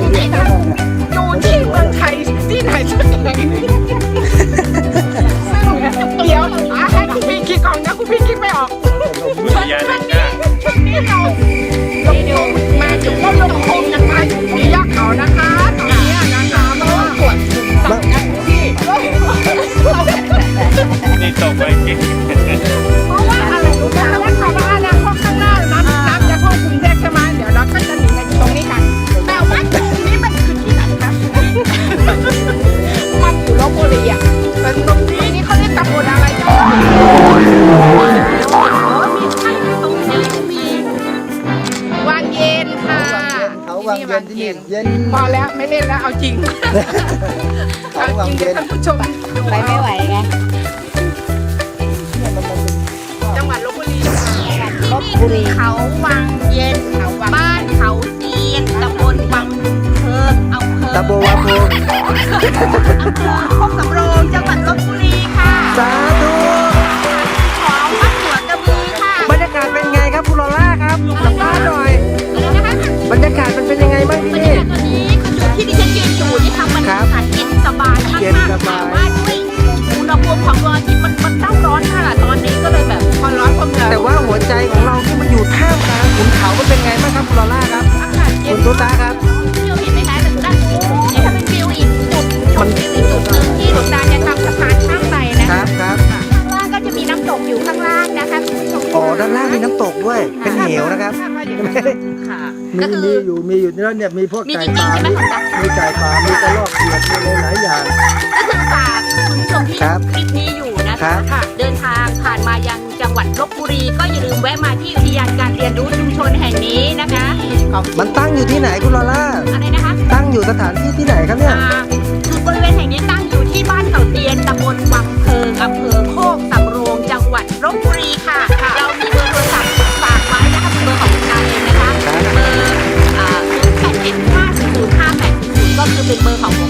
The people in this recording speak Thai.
นี่นะอยู่ที่เมืองไทยที่ไหนสักแห่งหนึ่งเดี๋ยวให้คุณพี่คิดก่อนนะคุณพี่คิดไม่ออกช่วงนี้เรามาอยู่ก็ลงโคงกันมาอยู่ที่ยอดเขานะคะตอนนี้นะคะเพราะว่าปวดที่นี่ตกไปจริงเพราะว่าอะไรรู้ไหมว่าเขาว่าอนาคตข้างหน้าน้ำจะท่วมกรุงเทพใช่ไหมเดี๋ยวเราก็จะหนีมาอยู่ตรงนี้กันแต่ว่าตรงนี้มันคือที่ไหนคะมันอยู่ลพบุรีอ่ะแต่ตรงนี้เขาเรียกตำบลอะไรจ๊ะมีใช่ตรงนี้มีวังเย็นค่ะเขาวังเย็นที่นี่เย็นพอแล้วไม่เล่นแล้วเอาจริงเขาวังเย็นท่านผู้ชมไปไม่ไหวไงจังหวัดลพบุรีค่ะลบบุรีเขาวังเย็นบ้านเขาเจียนตำบลวังเพิงอำเภอตะโบวาโพโคกสำโรงจังหวัดลพบุรีค่ะสาธุของวัดหัวกระบือค่ะบรรยากาศเป็นไงครับคุณลอล่าครับสัมภาษณ์หน่อย บรรยากาศมันเป็นยังไงบ้างที่นี่ตอนนี้คืออยู่ที่ดิฉันยืนอยู่นี่ทำบรรยากาศเย็นสบายมากเย็นสๆบายแต่ว่าด้วยอุณหภูมิของดวงอาทิตย์มันเต้าร้อนค่ะตอนนี้ก็เลยแบบพอร้อนพอเหงื่อแต่ว่าหัวใจของเราที่มันอยู่ท่ามกลางขุนเขามันเป็นไงบ้างครับคุณลอล่าครับอากาศเย็คุนณตุ๊ตาครับวิวเห็นไหมคะแต่ด้านนี่ถ้าเป็นวิวอีกจุดชมวิวอีกจุดหนึ่งที่หลวงตาจะทำสะพานข้ามไปนะคคะรับครับข้างล่างก็จะมีน้ำตกอยู่ข้างล่างนะคะคุณผู้ชมอ๋อด้านล่างมีน้ำตกด้วย เป็นเหวนะครับค่ะมีก็คือมีอยู่แล้วเนี่ยมีพวกมีไก่จริงๆป่าใช่ไหมของตามีไก่ป่ามีกระรอกเขียดมีหลายอย่างก็คือฝากคุณผู้ชมที่ครับคลิปนี้อยู่นะครัคะบเดินทางผ่านมายังจังหวัดลบบุรีก็อย่าลืมแวะมาที่อุทยานการเรียนรู้ชุมชนแห่งนี้นะคะมันตั้งอยู่ที่ไหนคุณลอล่าอะไรนะคะตั้งอยู่สถานที่ที่ไหนครับเนี่ยคือบริเวณแห่งนี้ตั้งอยู่ที่บ้านเขาเตียนตำบลวังเพิงอำเภอโคกสำโรงจังหวัดลบบุรีค่ะ เรามีเบอร์โทรศัพท์ฝากไว้นะคะเป็นเบอร์ของคุณตาเองนะคะครับเบอร์081500580ก็คือเป็นเบอร์ของโค